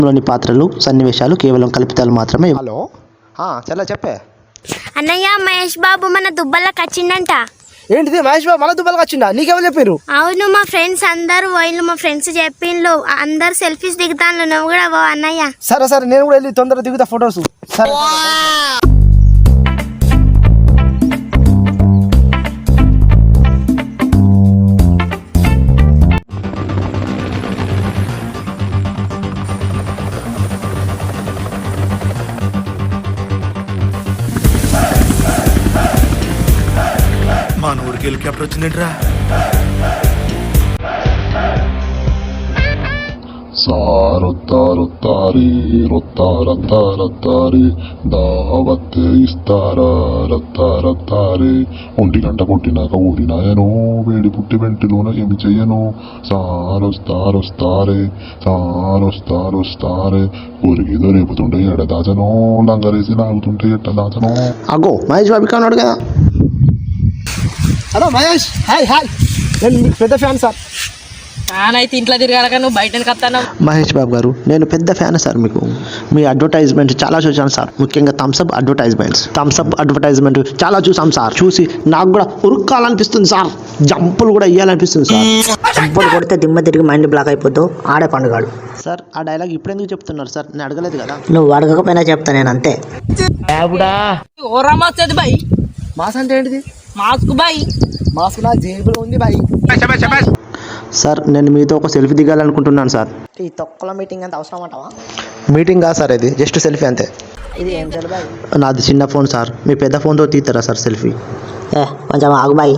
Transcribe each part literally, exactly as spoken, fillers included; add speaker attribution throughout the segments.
Speaker 1: లోని పాత్రలు సన్నివేశాలు కేవలం కల్పితాలు మాత్రమే. హలో చల్ల చెప్పే
Speaker 2: అన్నయ్య, మహేష్ బాబు మన దుబ్బలకు వచ్చిండంట.
Speaker 1: ఏంటిది? మహేష్ బాబు మన దుబ్బలకు వచ్చిందా? నీకెవరు చెప్పారు?
Speaker 2: అవును, మా ఫ్రెండ్స్ అందరు పోయిన్లు. మా ఫ్రెండ్స్ చెప్పిండ్లు అందరు సెల్ఫీస్ దిగుతాను. నువ్వు కూడా పో అన్నయ్య.
Speaker 1: సరే సరే, నేను కూడా వెళ్ళి తొందరగా దిగుతా ఫొటోస్. సరే
Speaker 3: మా ఊరికి హెలికాప్టర్ వచ్చిందేంట్రా?
Speaker 4: సారొత్తారొత్తారి రొత్తారొత్తారొత్తారి దావత్తే ఇస్తారా రొత్తారొత్తారి. ఒంటి గంట కొట్టినాక ఊడినాయను వేడి పుట్టి వెంటిలోన ఏమి చెయ్యను. సారొస్తారొస్తారే సారొస్తారొస్తారే. ఊరికిదో రేపుతుంటే ఎడదాచను లంగరేసి లాగుతుంటే ఎట్టదాచను.
Speaker 1: అగో మహేష్ బాబు కాన్నాడు కదా. Hello Mahesh, hi hi. నేను మీకు పెద్ద ఫ్యాన్ సార్.
Speaker 5: అయితే ఇంట్లో తిరగాలక నువ్వు బయటకు వస్తాను.
Speaker 1: మహేష్ బాబు గారు, నేను పెద్ద ఫ్యాన్ సార్. మీకు మీ అడ్వర్టైజ్మెంట్ చాలా చూసాను సార్. ముఖ్యంగా థమ్స్అప్ అడ్వర్టైజ్మెంట్స్ థమ్స్అప్ అడ్వర్టైజ్మెంట్ చాలా చూసాం సార్. చూసి నాకు కూడా ఉరుక్కాలనిపిస్తుంది సార్. జంపులు కూడా ఇవ్వాలనిపిస్తుంది సార్.
Speaker 6: జంపులు కొడితే దిమ్మ తిరిగి మైండ్ బ్లాక్ అయిపోతావు. ఆడే పండుగాడు
Speaker 1: సార్. ఆ డైలాగ్ ఇప్పుడు ఎందుకు చెప్తున్నారు సార్? నేను అడగలేదు కదా.
Speaker 6: నువ్వు అడగకపోయినా చెప్తా నేను, అంతే.
Speaker 5: ఓరా మాస్ది బాయ్.
Speaker 1: మాస్ అంటే ఏంటిది?
Speaker 5: Mask bye.
Speaker 1: మాస్క్ నా జేబులో ఉంది బాయ్. సార్, నేను మీతో ఒక సెల్ఫీ దిగాలనుకుంటున్నాను సార్.
Speaker 6: ఈ తొక్కల మీటింగ్ అంత అవసరం అంటావా?
Speaker 1: మీటింగ్ కాదు సార్, ఇది జస్ట్ సెల్ఫీ అంతే.
Speaker 6: ఇది ఏం సెల్ఫీ బాయ్?
Speaker 1: నాది చిన్న ఫోన్ సార్. మీ పెద్ద ఫోన్తో తీస్తారా సార్ సెల్ఫీ?
Speaker 6: ఏ కొంచెం ఆగు బాయ్.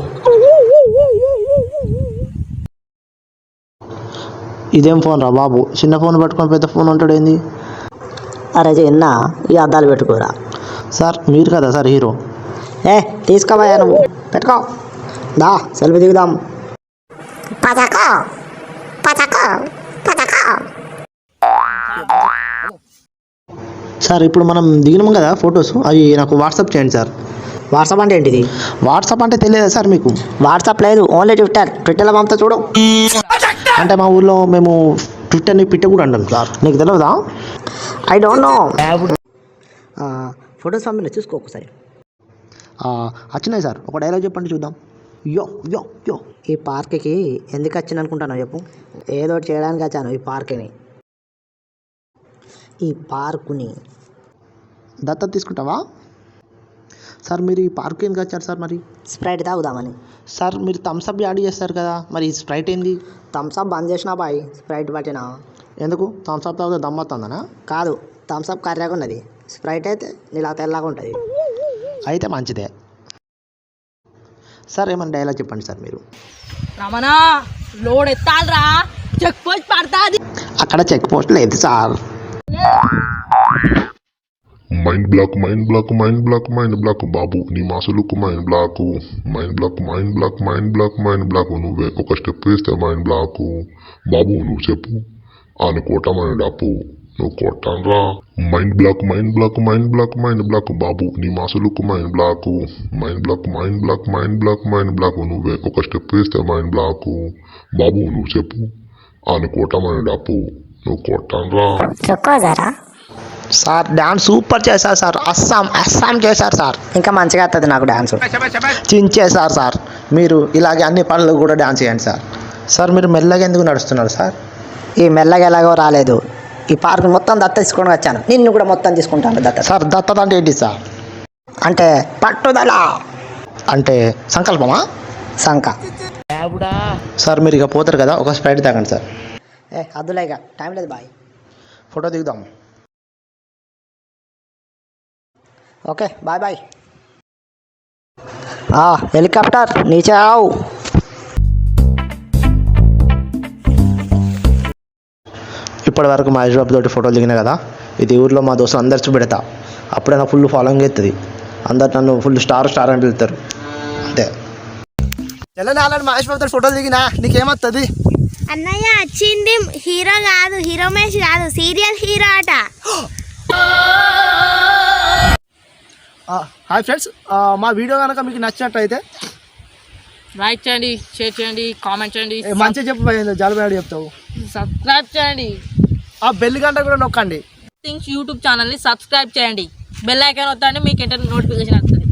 Speaker 1: ఇదేం ఫోన్ రా బాబు? చిన్న ఫోన్ పట్టుకొని పెద్ద ఫోన్ ఉంటాడు ఏంది?
Speaker 6: అరే చిన్న, ఈ అద్దాలు పెట్టుకోరా.
Speaker 1: సార్ మీరు కదా సార్ హీరో?
Speaker 6: ఏ తీసుకోబాయా, నువ్వు పెట్టుకో. దా సెల్ఫీ దిగుదాం.
Speaker 1: సార్ ఇప్పుడు మనం దిగినాం కదా ఫొటోస్, అవి నాకు వాట్సాప్ చేయండి సార్.
Speaker 6: వాట్సాప్ అంటే ఏంటిది?
Speaker 1: వాట్సాప్ అంటే తెలియదా సార్ మీకు?
Speaker 6: వాట్సాప్ లేదు, ఓన్లీ ట్విట్టర్. ట్విట్టర్లో పంపుతా చూడు.
Speaker 1: అంటే మా ఊర్లో మేము ట్విట్టర్ని పిట్ట కూడా అంటాం సార్. నీకు తెలియదా?
Speaker 6: I don't know. ఫొటోస్ పంపిన చూసుకో ఒకసారి.
Speaker 1: వచ్చినాయి సార్. ఒక డైలాగ్ చెప్పండి చూద్దాం. యో యో యో.
Speaker 6: ఈ పార్క్కి ఎందుకు వచ్చాను అనుకుంటాను చెప్పు? ఏదో ఒకటి చేయడానికి వచ్చాను ఈ పార్క్ని. ఈ పార్కుని
Speaker 1: దత్తత తీసుకుంటావా సార్? మీరు ఈ పార్క్ ఎందుకు వచ్చారు సార్? మరి
Speaker 6: స్ప్రైట్ తాగుదామని.
Speaker 1: సార్ మీరు థమ్స్అప్ యాడ్ చేస్తారు కదా, మరి ఈ స్ప్రైట్ ఏంది?
Speaker 6: థమ్స్అప్ బంద్ చేసినా బాయ్, స్ప్రైట్ పట్టినా.
Speaker 1: ఎందుకు? థమ్స్అప్ తాగితే దమ్మొస్తుందనా?
Speaker 6: కాదు, థమ్స్అప్ కర్రెగా ఉన్నది, స్ప్రైట్ అయితే నీలా తెల్లగా ఉంటుంది.
Speaker 1: అయితే మంచిదే సార్. ఏమైనా డైలాగ్ చెప్పండి సార్ మీరు.
Speaker 5: రమణ లోడ్ ఎత్తాలరా, చెక్ పోస్ట్ పడతాది.
Speaker 1: అక్కడ చెక్ పోస్ట్ లేదు sir.
Speaker 4: Mind block mind block mind block mind block బాబు నీ మాసులకు mind block. Mind block mind block mind block mind block. నువ్వే ఒక స్టెప్ వేస్తే మైండ్ బ్లాక్. బాబు నువ్వు చెప్పు అనుకోవటమని డప్పు నువ్వు కొట్టాన్రా. Mind block mind block mind block mind block బాబు నీ మాసులకు mind block. Mind block mind block mind block mind block. నువ్వే ఒక స్టెప్ వేస్తే మైండ్ బ్లాక్. బాబు నువ్వు చెప్పు అనుకోవటమని డప్పు నువ్వు కొట్టాన్రా.
Speaker 1: సార్ డాన్స్ సూపర్ చేశారు సార్. అస్సాం అస్సాం చేశారు సార్.
Speaker 6: ఇంకా మంచిగా వస్తుంది నాకు డాన్స్.
Speaker 1: చించేశారు సార్. మీరు ఇలాగే అన్ని పనులు కూడా డాన్స్ చేయండి సార్. సార్ మీరు మెల్లగా ఎందుకు నడుస్తున్నారు సార్?
Speaker 6: ఈ మెల్లగా ఎలాగో రాలేదు, ఈ పార్క్ మొత్తం దత్త తీసుకొని వచ్చాను. నిన్ను కూడా మొత్తం తీసుకుంటాను దత్త.
Speaker 1: సార్ దత్తత అంటే ఏంటి సార్?
Speaker 6: అంటే పట్టుదల,
Speaker 1: అంటే సంకల్పమా?
Speaker 6: సంక.
Speaker 1: సార్ మీరు ఇక పోతారు కదా, ఒక స్ప్రైట్ తాగండి సార్.
Speaker 6: ఏ అద్దులేగా, టైం లేదు బాయ్.
Speaker 1: ఫోటో దిగుదాం.
Speaker 6: Okay bye bye. హెలికాప్టర్ నీచే ఆవు.
Speaker 1: ఇప్పటి వరకు మహేష్ బాబు తోటి ఫోటోలు దిగినా కదా, ఇది ఊర్లో మా దోస్తులు అందరు చూపెడతా. అప్పుడే నాకు ఫుల్ ఫాలోయింగ్ అవుతుంది. అందరు నన్ను ఫుల్ స్టార్ స్టార్ అని వెళ్తారు అంతే.
Speaker 7: ఆల్రెడీ మహేష్ బాబు తోటి ఫోటోలు దిగినా నీకేమవుతుంది?
Speaker 2: అన్నయ్య వచ్చింది హీరో కాదు, హీరో మహేష్ కాదు, సీరియల్ హీరో అట.
Speaker 7: హాయ్ ఫ్రెండ్స్, మా వీడియో కనుక మీకు నచ్చినట్టయితే
Speaker 5: లైక్ చేయండి, షేర్ చేయండి, కామెంట్ చేయండి.
Speaker 7: మంచిగా చెప్పు, జాలిబాడు చెప్తావు.
Speaker 5: సబ్స్క్రైబ్ చేయండి.
Speaker 7: ఆ బెల్ గంట కూడా నొక్కండి.
Speaker 5: థింగ్స్ యూట్యూబ్ ఛానల్ని సబ్స్క్రైబ్ చేయండి. బెల్ ఐకాన్ వస్తాండి మీకు ఇంటర్ నోటిఫికేషన్ వస్తుంది.